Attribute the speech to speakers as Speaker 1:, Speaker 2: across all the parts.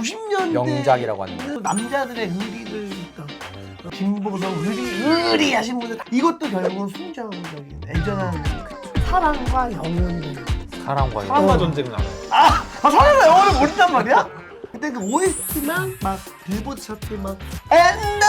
Speaker 1: 90년대
Speaker 2: 명작이라고 하는 거.
Speaker 1: 남자들의 의리를 있던 김보성 의리 하신 분들 이것도 결국은 순정적인 애절한 사랑과 영혼이
Speaker 2: 사랑과
Speaker 3: 사랑과 전쟁은 알아요.
Speaker 1: 사랑과 영혼을 모른단 말이야? 그때 그 OST만 막 빌보드 차트 막 엔다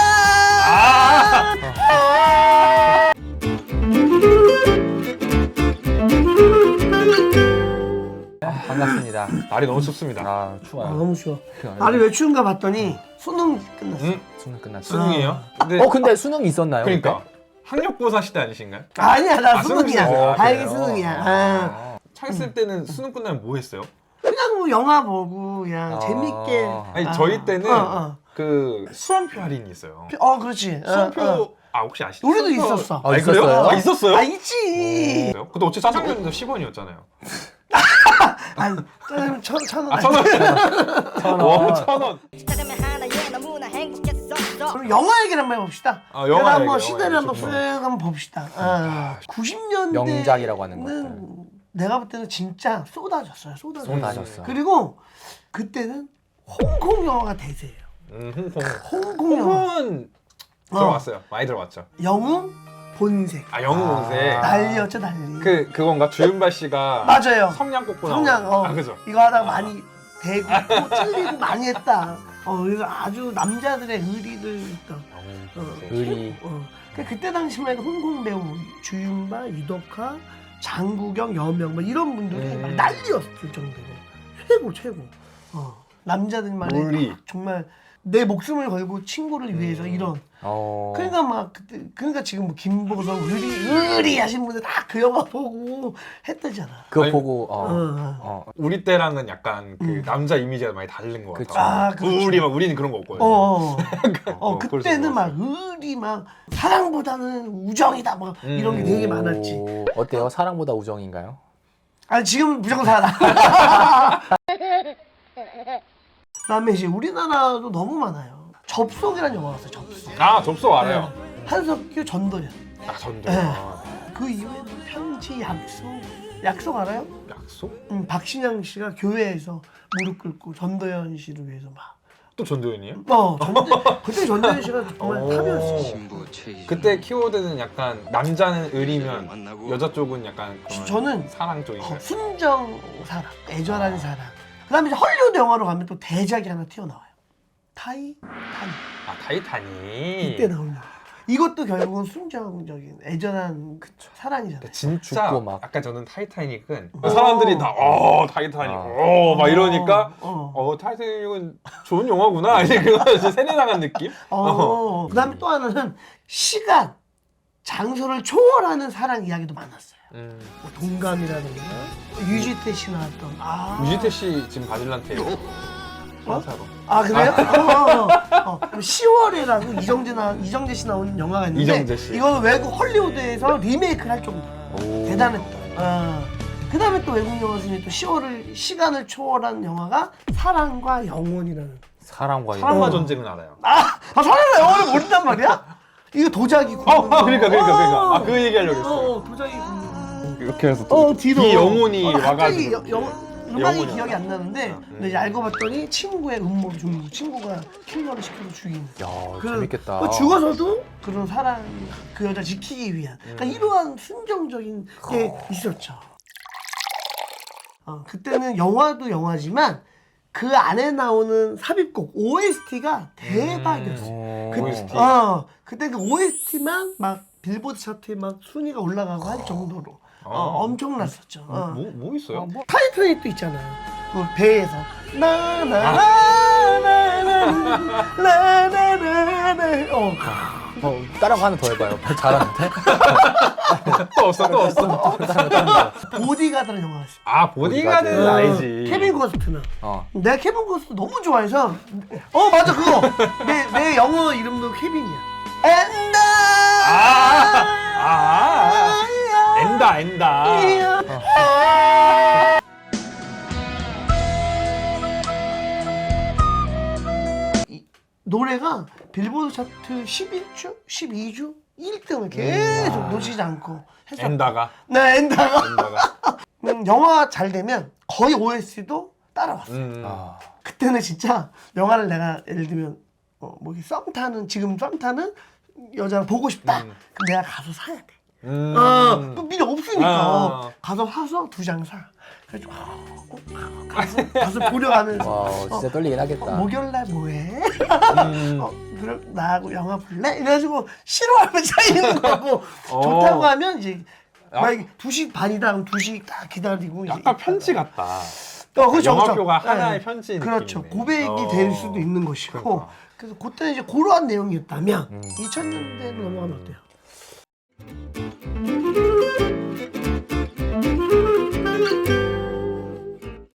Speaker 2: 반갑습니다.
Speaker 3: 날이 너무 춥습니다.
Speaker 2: 추워요.
Speaker 1: 너무 추워. 날이 왜 추운가 봤더니 수능 끝났어.
Speaker 2: 수능 끝났어.
Speaker 3: 수능이에요?
Speaker 2: 근데 수능이 있었나요?
Speaker 3: 그러니까 학력고사 시대 아니신가요?
Speaker 1: 아니야 나
Speaker 3: 수능이세요?
Speaker 1: 수능이야. 다행히
Speaker 3: 그래요?
Speaker 1: 수능이야.
Speaker 3: 차 있을 때는 수능 끝나면 뭐 했어요?
Speaker 1: 그냥 뭐 영화 보고 그냥 재밌게.
Speaker 3: 아니 저희 때는
Speaker 1: 어.
Speaker 3: 그 수험표 할인이 있어요.
Speaker 1: 그렇지.
Speaker 3: 수험표 혹시 아시죠?
Speaker 1: 우리도
Speaker 3: 수험표-
Speaker 1: 있었어.
Speaker 3: 아니,
Speaker 2: 있었어요?
Speaker 3: 그래요? 있었어요?
Speaker 1: 있지.
Speaker 3: 그래요? 근데 어차피 짜장면도 10원이었잖아요.
Speaker 1: 아니 짜장면 천 원.
Speaker 3: 아, 1,000원.
Speaker 2: 1,000원.
Speaker 3: 1,000원.
Speaker 4: 짜장면 하나에 너무나 행복했었어.
Speaker 1: 그럼 영화 얘기를 한번 해봅시다.
Speaker 3: 영화
Speaker 1: 내가 한번
Speaker 3: 얘기,
Speaker 1: 시대를
Speaker 3: 영화
Speaker 1: 한번
Speaker 3: 얘기
Speaker 1: 쓱
Speaker 3: 좋죠.
Speaker 1: 한번 봅시다. 90년대
Speaker 2: 명작이라고 하는 것들.
Speaker 1: 내가 볼 때는 진짜 쏟아졌어요.
Speaker 2: 쏟아졌어.
Speaker 1: 그리고 그때는 홍콩 영화가 대세예요.
Speaker 3: 홍콩.
Speaker 1: 홍콩 영화.
Speaker 3: 홍콩은 들어왔어요. 많이 들어왔죠.
Speaker 1: 영웅 본색.
Speaker 3: 영웅 본색.
Speaker 1: 난리였죠 난리.
Speaker 3: 그건가? 주윤발 씨가
Speaker 1: 맞아요.
Speaker 3: 성냥 꽂고
Speaker 1: 성냥
Speaker 3: 나오는. 그죠?
Speaker 1: 이거 하다가 많이 대고 또 찔리고 많이 했다. 그래서 아주 남자들의 의리를 있던.
Speaker 2: 의리.
Speaker 1: 그때 당시만 해도 홍콩 배우 주윤발, 유덕화, 장국영, 여명 뭐 이런 분들이 막 난리였을 정도로 최고. 남자들만의
Speaker 3: 의리.
Speaker 1: 정말 내 목숨을 걸고 친구를 위해서 이런. 그러니까 막 그때 그러니까 지금 뭐 김보성 의리 하신 분들 다 그 영화 보고 했다잖아.
Speaker 2: 그거
Speaker 3: 아니,
Speaker 2: 보고
Speaker 3: 우리 때랑은 약간 그 남자 이미지가 많이 다른 것
Speaker 2: 그쵸.
Speaker 3: 같아요.
Speaker 1: 그렇죠.
Speaker 3: 우리는 그런 거 없거든요.
Speaker 1: 그때는
Speaker 3: 그래서
Speaker 1: 막 의리 막 사랑보다는 우정이다 막 이런 게 되게 많았지.
Speaker 2: 어때요? 사랑보다 우정인가요?
Speaker 1: 아니 지금은 무조건 사랑. 그다음에 이제 우리나라도 너무 많아요. 접속이라는 영화가 있어요. 접속.
Speaker 3: 접속 알아요.
Speaker 1: 한석규, 전도연.
Speaker 3: 전도.
Speaker 1: 네. 그 이후에는 편지, 약속 알아요?
Speaker 3: 약속?
Speaker 1: 박신양 씨가 교회에서 무릎 꿇고 전도연 씨를 위해서 막.
Speaker 3: 또 전도연이에요?
Speaker 1: 그때 전도연 씨가 정말 탑이었어요.
Speaker 3: 그때 키워드는 약간 남자는 의리면 여자 쪽은 약간 그런
Speaker 1: 저는
Speaker 3: 사랑 쪽인가요?
Speaker 1: 순정 사랑, 애절한 사랑. 그다음에 이제 헐리우드 영화로 가면 또 대작이 하나 튀어나와요. 타이타닉.
Speaker 3: 타이타닉.
Speaker 1: 이때 나오는. 이것도 결국은 순정적인 애절한 사랑이잖아요.
Speaker 3: 진짜
Speaker 2: 죽고 막.
Speaker 3: 아까 저는 타이타닉은 사람들이 다 타이타닉 막 이러니까 타이타닉은 좋은 영화구나 이제 그거 이제 세뇌 나간 느낌?
Speaker 1: 그다음에 또 하나는 시간, 장소를 초월하는 사랑 이야기도 많았어요. 뭐 동감이라든가 유지태 씨 나왔던
Speaker 3: 유지태 씨 지금 바질란테 사로.
Speaker 1: 그래요? 10월이라고 이정재 씨 나오는 영화가 있는데
Speaker 3: 이정재 씨.
Speaker 1: 이거는 외국 헐리우드에서 리메이크를 할 정도로 대단했던. 그다음에 또 외국 영화 중에 또 10월을 시간을 초월한 영화가 사랑과 영혼이라는.
Speaker 2: 사랑과
Speaker 3: 전쟁은 알아요.
Speaker 1: 사랑과 영혼을 모른단 말이야? 이거 도자기 굽는 거.
Speaker 3: 그러니까 그 얘기하려고 했어요.
Speaker 1: 도자기 굽는 거.
Speaker 3: 이렇게 해서
Speaker 1: 뒤로
Speaker 3: 이 영혼이
Speaker 1: 갑자기
Speaker 3: 와가지고
Speaker 1: 음악이
Speaker 3: 영혼이
Speaker 1: 기억이 안 나는데 근데 이제 알고 봤더니 친구의 음모를 준 친구가 킬러를 시켜서 죽이는.
Speaker 2: 야, 재밌겠다.
Speaker 1: 그 죽어서도 그런 사랑 그 여자 지키기 위한 그러니까 이러한 순정적인 게 있었죠. 그때는 영화도 영화지만 그 안에 나오는 삽입곡 OST가 대박이었어요.
Speaker 3: OST.
Speaker 1: 그때 그 OST만 막 빌보드 차트에 막 순위가 올라가고 할 정도로 엄청났었죠.
Speaker 3: 뭐 있어요?
Speaker 1: 타이타닉도 있잖아요. 그 배에서
Speaker 2: 다른 거 하나 더 해봐요. 잘하는데?
Speaker 3: 또 없어.
Speaker 1: 보디가드라는 영화가 있어요.
Speaker 3: 보디가드는
Speaker 2: 보디가드.
Speaker 3: 알지.
Speaker 1: 케빈 코스트너. 내가 케빈 코스트 너무 좋아해서 맞아 그거. 내 영어 이름도 케빈이야.
Speaker 3: 엔다.
Speaker 1: 노래가 빌보드 차트 11주, 12주 1등을 계속 놓치지 않고 했었고.
Speaker 3: 엔다가.
Speaker 1: 네, 엔다가. 영화 잘 되면 거의 OST도 따라왔어.
Speaker 2: 아,
Speaker 1: 그때는 진짜 영화를 내가 예를 들면 뭐 이렇게 썸 타는 지금 썸 타는 여자를 보고 싶다. 그럼 내가 가서 사야 돼. 또 미리 없으니까
Speaker 3: 아.
Speaker 1: 가서 사서 2장 사. 그래가지고 가서 보려 하면서
Speaker 2: 와, 진짜 떨리긴 하겠다.
Speaker 1: 목요일날 뭐해? 그럼 나하고 영화 볼래? 이래가지고 싫어하면 사이는 거고 좋다고 하면 이제 만약에 2시 반이다 그럼 2시 딱 기다리고
Speaker 3: 약간
Speaker 1: 이제
Speaker 3: 편지 같다.
Speaker 1: 그렇죠,
Speaker 3: 영화표가
Speaker 1: 그렇죠.
Speaker 3: 하나의
Speaker 1: 네.
Speaker 3: 편지
Speaker 1: 그렇죠.
Speaker 3: 느낌이네.
Speaker 1: 고백이 될 수도 있는 것이고
Speaker 3: 그러니까.
Speaker 1: 그래서 그때는 이제 그러한 내용이었다면 2000년대로 넘어가면 어때요?